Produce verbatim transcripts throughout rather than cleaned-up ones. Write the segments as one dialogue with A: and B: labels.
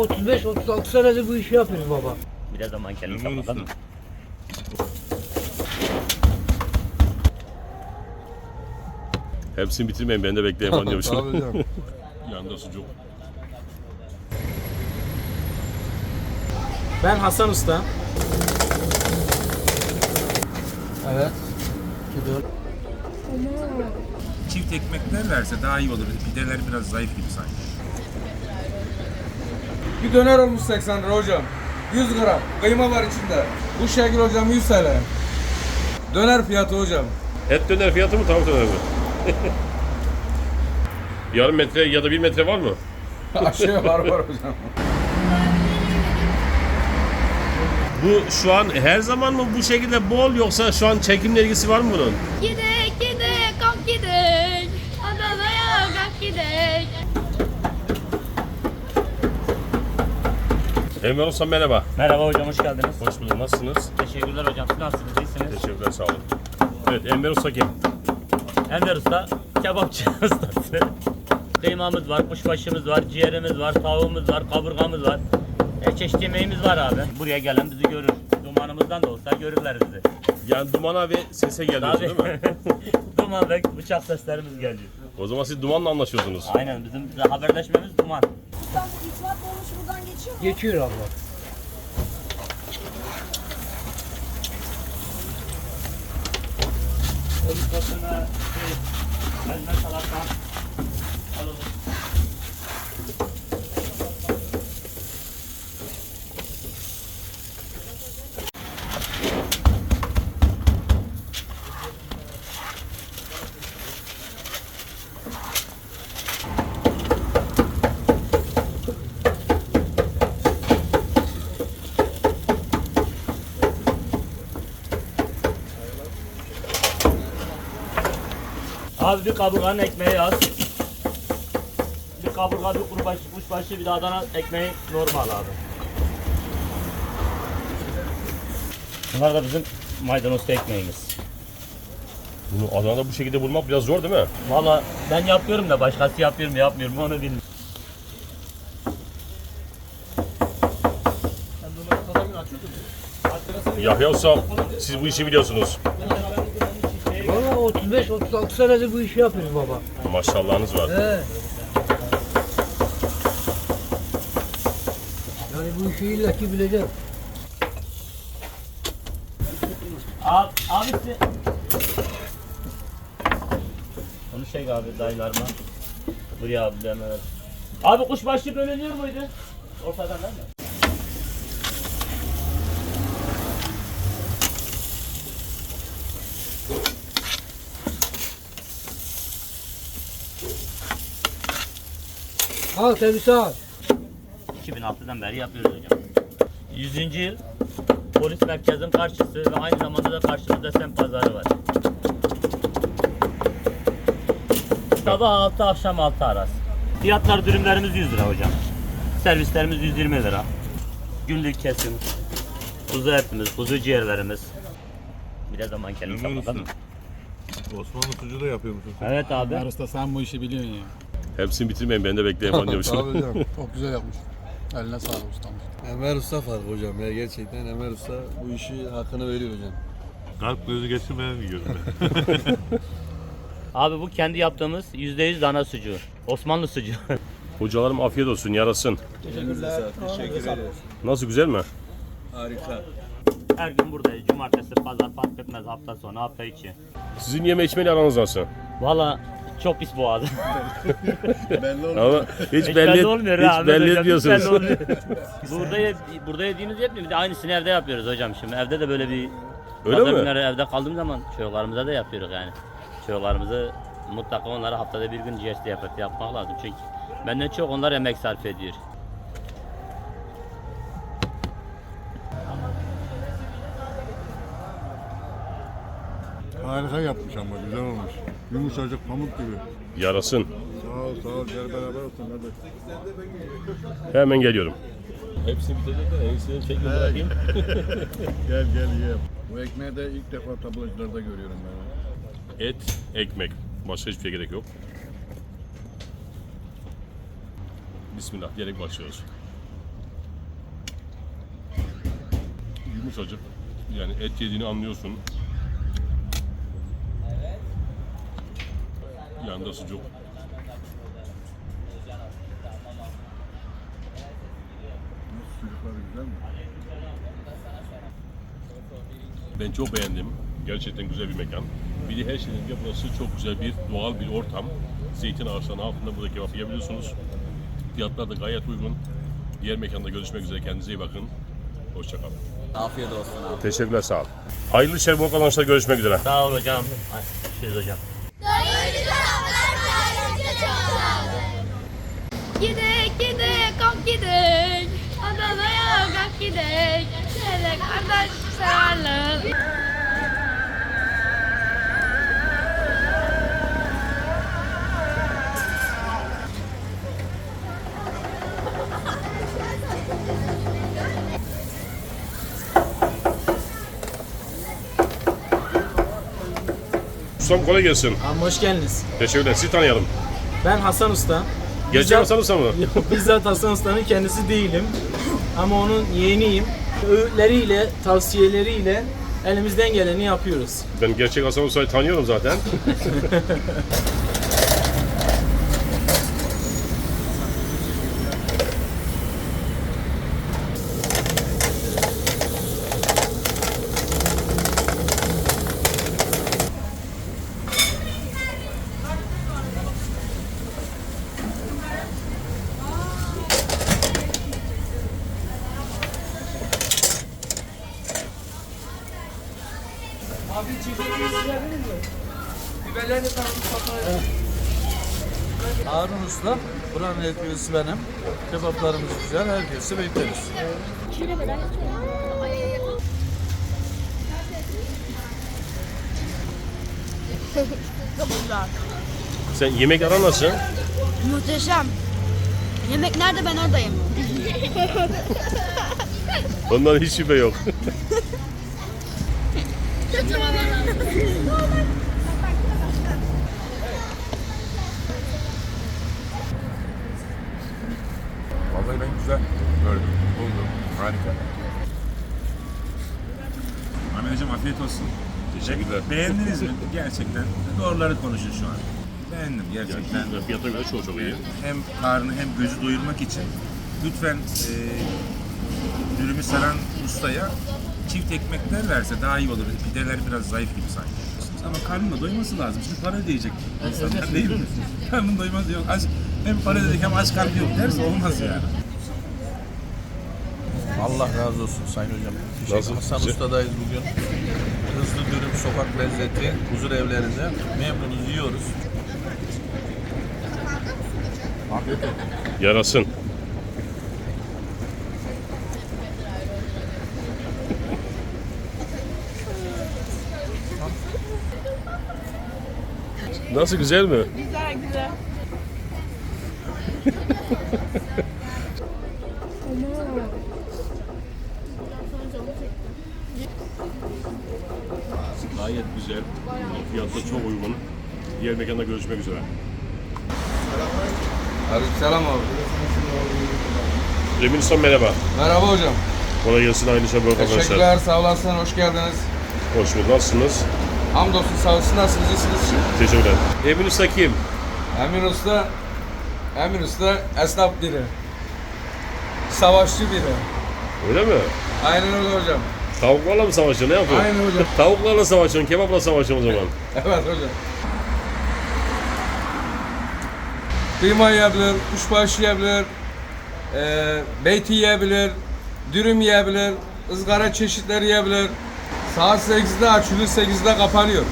A: otuz beş otuz altı senedir bu işi yapıyoruz baba.
B: Bir zaman kendini kapatalım mı?
C: Hepsini bitirmeyin, ben de bekleyeyim falan diyormuşum.
D: Tabii canım.
C: Yanında sucuk.
E: Ben Hasan Usta.
A: Evet.
F: Çift ekmekler verse daha iyi olur. Pideler biraz zayıf gibi sanki.
D: Bir döner olmuş seksen lira hocam. yüz gram. Kıyma var içinde. Bu şekil hocam yüz T L. Döner fiyatı hocam.
C: Et döner fiyatı mı, tavuk döner mi? Yarım metre ya da bir metre var mı?
D: Aşağı var var hocam.
C: Bu şu an her zaman mı bu şekilde bol, yoksa şu an çekimle ilgisi var mı bunun?
G: Gidek gidek kalk gidek. Adana'ya kalk gidek.
C: Enver Usta merhaba.
B: Merhaba hocam, hoş geldiniz.
C: Hoş bulduk. Nasılsınız?
B: Teşekkürler hocam. Siz nasılsınız? İyisiniz?
C: Teşekkürler, sağ olun. Evet, Enver Usta kim?
B: Enver Usta, kebapçı ustası. Kıymamız var, kuşbaşımız var, ciğerimiz var, tavuğumuz var, kaburgamız var. Her çeşit yemeğimiz var abi. Buraya gelen bizi görür. Dumanımızdan da olsa görürler bizi.
C: Yani dumana ve sese geliyorsun değil mi?
B: Duman ve bıçak seslerimiz geliyor.
C: O zaman siz dumanla anlaşıyorsunuz.
B: Aynen, bizim haberleşmemiz duman.
G: İstanbul İtimat Dolmuşu buradan geçiyor mu?
A: Geçiyor abla.
B: Sonra şey, elma salata alalım. Abi bir kaburganın ekmeği az. Bir kaburga, bir kurbaş, kuşbaşı, bir de Adana ekmeği normal abi. Bunlar da bizim maydanozlu ekmeğimiz.
C: Bunu Adana'da bu şekilde bulmak biraz zor değil mi?
B: Valla ben yapıyorum da başkası yapıyor mu yapmıyor mu onu bilmiyorum.
C: Yahya Usta, siz bu işi biliyorsunuz.
A: Valla otuz beş otuz altı senedir bu işi yapıyoruz baba.
C: Maşallahınız var.
A: He. Yani bu işi illaki bileceğim.
B: Abi, abisi. Onu şey abi dayılarıma. Buraya abi hemen. Abi kuşbaşı bölünüyor muydu? Ortadan değil mi?
A: Al temiz al.
B: iki bin altıdan beri yapıyoruz hocam. yüzüncü yıl polis merkezinin karşısı ve aynı zamanda da karşımızda semt pazarı var. Sabah altı akşam altı arası. Fiyatlar dürümlerimiz yüz lira hocam. Servislerimiz yüz yirmi lira. Günlük kesim. Kuzu etimiz, kuzu ciğerlerimiz. Bir de zaman kendini kapatalım mı?
D: Osmanlı sucuğu da yapıyor musun?
B: Evet abi.
E: Ömer Usta sen bu işi biliyorsun ya.
C: Hepsini bitirmeyin, ben de bekleyeyim falan diyormuşum.
D: Tabii canım. Çok güzel yapmış. Eline sağlık ustam.
H: Enver Usta fark hocam ya, gerçekten Enver Usta bu işi hakkını veriyor hocam.
I: Kalp gözü geçirmeyen bir gözüme.
B: Abi bu kendi yaptığımız yüzde yüz dana sucuğu. Osmanlı sucuğu.
C: Hocalarım afiyet olsun, yarasın.
H: Teşekkürler. Teşekkür ederiz.
C: Nasıl, güzel mi?
H: Harika.
B: Her gün buradayız. Cumartesi, pazar fark etmez. Hafta sonu, hafta içi.
C: Sizin yeme içmeyle aranız nasıl?
B: Valla çok pis boğazı.
H: Belli olmuyor.
C: Ama hiç,
B: Hiç
C: belli,
B: belli olmuyor ha,
C: hiç
B: Ahmet
C: belli
B: hocam, hiç
C: etmiyorsunuz.
B: belli olmuyor. burada, ye, burada yediğiniz yetmiyor. Bir de aynısını evde yapıyoruz hocam şimdi. Evde de böyle bir
C: Öyle
B: pazar
C: mi?
B: günleri evde kaldığım zaman çocuklarımıza da yapıyoruz yani. Çocuklarımızı mutlaka onlara haftada bir gün ciğer yapıp yapmak lazım. Çünkü benden çok onlar emek sarf ediyor.
D: Harika yapmış ama güzel olmuş. Yumuşacık pamuk gibi.
C: Yarasın.
D: Sağ ol sağ ol. Gel beraber olsun hadi.
C: Hemen geliyorum. Hepsini bitirdim de en iyisini çekme bırakayım.
D: Gel gel ye. Bu ekmeği de ilk defa tablacılarda görüyorum ben.
C: Et, ekmek. Başka hiçbir şey gerek yok. Bismillah diyerek başlıyoruz. Yumuşacık. Yani et yediğini anlıyorsun. Yanında sucuk. Ben çok beğendim. Gerçekten güzel bir mekan. Bir de her şeyden önce burası çok güzel bir doğal bir ortam. Zeytin ağaçlarının altında burada kebap yiyebiliyorsunuz. Fiyatlar da gayet uygun. Diğer mekanda görüşmek üzere. Kendinize iyi bakın. Hoşça kalın.
E: Afiyet olsun abi.
C: Teşekkürler, sağ ol. Hayırlı işler, bol kazançlar, görüşmek üzere.
B: Sağ ol hocam. Görüşürüz hocam.
G: Gidek gidek kalk gidek. Adana'ya kalk gidek. Şöyle kardeş sararlı.
C: Ustam kolay gelsin.
E: Abi hoş geldiniz.
C: Teşekkürler. Sizi tanıyalım.
E: Ben Hasan Usta.
C: Gerçek Hasan Usta mı?
E: Yok, bizzat Hasan Usta'nın kendisi değilim. Ama onun yeğeniyim. Öğütleriyle, tavsiyeleriyle elimizden geleni yapıyoruz.
C: Ben gerçek Hasan Usta'yı tanıyorum zaten.
A: Abi çiftliğini silebilir mi? Biberleri de tanıdık.
H: Harun Usta, buranın ekmeğisi benim. Kebaplarımız güzel, herkesi bekleriz.
C: Sen yemek aran nasıl?
G: Muhteşem. Yemek nerede ben oradayım.
C: Ondan hiç şüphe yok.
F: Vallahi ben güzel gördüm, buldum. Harika. Ahmet Hocam afiyet olsun.
C: Teşekkürler.
F: Beğendiniz mi? Gerçekten doğruları konuşun şu an. Beğendim gerçekten.
C: Yani fiyata göre çok çok iyi.
F: Hem karnı hem gözü doyurmak için lütfen e, dürümü saran ustaya çift ekmekler verse daha iyi olur. Pideler biraz zayıf gibi sanki. Ama karnına doyması lazım. Şimdi para ödeyecek insanlar değil mi? Karnın doyması yok. Aç, hem para ödedik hem aç karnı yok derse olmaz yani.
H: Allah razı olsun Sayın Hocam.
C: Nasıl?
H: Hasan
C: Güzel.
H: Usta'dayız bugün. Hızlı dürüm, sokak lezzeti, huzur evlerinde memnunuz, yiyoruz. Afiyet olsun.
C: Yarasın. Nasıl, güzel mi?
G: Güzel güzel.
C: Gayet güzel. Fiyatı çok uygun. Diğer mekanda görüşmek üzere.
D: Aleykümselam abi.
C: Emin Usta merhaba.
D: Merhaba hocam.
C: Kolay gelsin, aynı şey, bol kazançlar.
D: Teşekkürler, sağ olasın, hoş geldiniz.
C: Hoş bulduk. Nasılsınız?
D: Hamdolsun, sağ olsun, nasılsınız, iyisiniz?
C: Teşekkürler. Emin Usta kim?
D: Emin Usta, Emin Usta esnaf biri. Savaşçı biri.
C: Öyle mi?
D: Aynen öyle hocam.
C: Tavuklarla mı savaşıyorsun? Ne yapıyorsun?
D: Aynen hocam.
C: Tavuklarla savaşıyorsun, kebapla savaşıyorsun o zaman.
D: Evet hocam. Kıyma yiyebilir, kuşbaşı yiyebilir, e, beyti yiyebilir, dürüm yiyebilir, ızgara çeşitleri yiyebilir. Saat sekizde açılıyor, sekizde kapanıyor.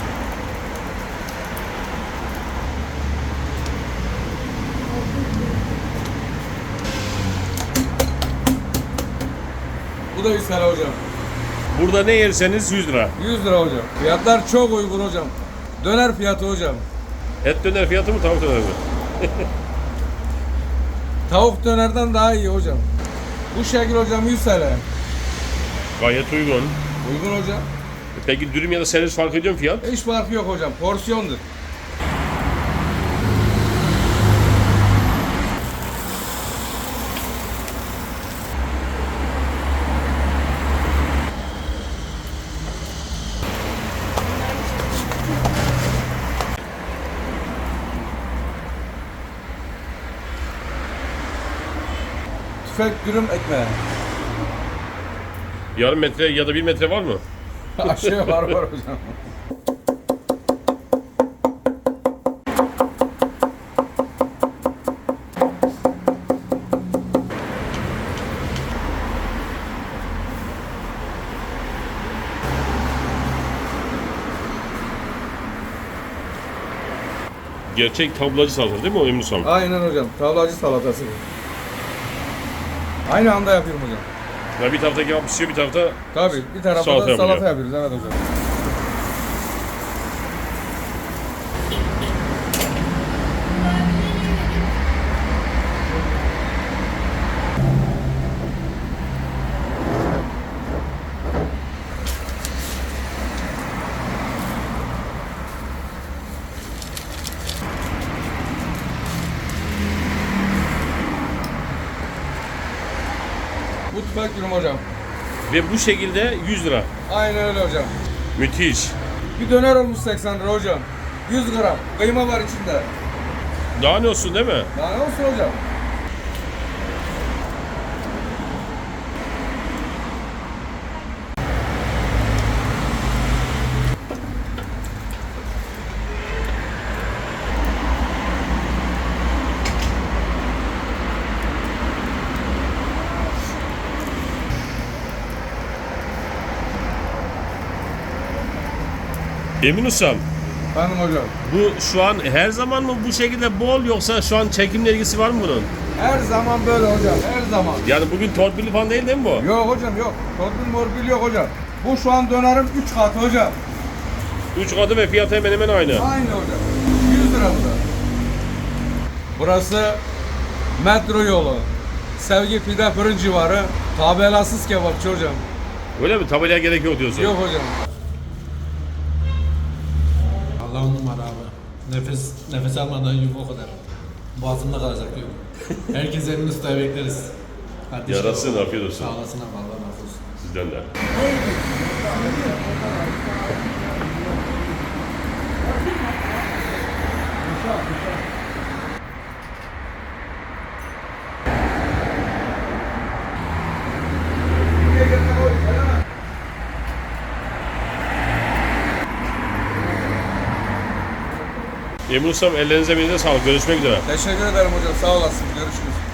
D: Bu da yüz lira hocam.
C: Burada ne yerseniz yüz lira.
D: yüz lira hocam. Fiyatlar çok uygun hocam. Döner fiyatı hocam.
C: Et döner fiyatı mı, tavuk döner mi?
D: Tavuk dönerden daha iyi hocam. Bu şekil hocam yüz lira.
C: Gayet uygun.
D: Uygun hocam.
C: Peki dürüm ya da servis fark ediyor mu fiyat?
D: Hiç farkı yok hocam. Porsiyondur. tüfek dürüm ekmeği.
C: Yarım metre ya da bir metre var mı?
D: Aşağı var var hocam.
C: Gerçek tablacı salatası değil mi o Emin Ustam?
D: Aynen hocam. Tavlacı salatası. Aynı anda yapıyorum hocam.
C: Ya bir tarafta kebap pişiyor, bir tarafta
D: Tabii bir tarafta
C: Salata
D: da
C: yapıyor.
D: salata yapıyoruz. Evet hocam. Bu tüfek dürüm hocam.
C: ve bu şekilde yüz lira.
D: Aynen öyle hocam.
C: Müthiş.
D: Bir döner olmuş seksen lira hocam. yüz gram. Kıyma var içinde.
C: Daha ne olsun değil mi?
D: Daha ne olsun hocam?
C: Emin Ustam,
D: Efendim hocam.
C: bu şu an her zaman mı bu şekilde bol yoksa şu an çekimle ilgisi var mı bunun?
D: Her zaman böyle hocam. Her zaman.
C: Yani bugün torpilli falan değil değil mi bu?
D: Yok hocam yok. Torpil morpil yok hocam. Bu şu an dönerin üç katı hocam.
C: Üç katı ve fiyatı hemen hemen aynı.
D: Aynı hocam. yüz lira bu da. Burası metro yolu. Sevgi Pide Fırın civarı. Tabelasız kebapçı hocam.
C: Öyle mi? Tabelaya gerek yok diyorsun.
D: Yok hocam.
H: Allah on numara abi. Nefes nefes almadan yok o kadar. Boğazımda kalacak yok. Herkes elini ustaya bekleriz. Hadi
C: Yarasın, afiyet olsun.
H: Sağ olasın abi, Allah razı olsun.
C: Sizden de. Emin Ustam ellerinize emeğinize sağlık. Görüşmek üzere.
D: Teşekkür ederim hocam. Sağ olasın. Görüşürüz.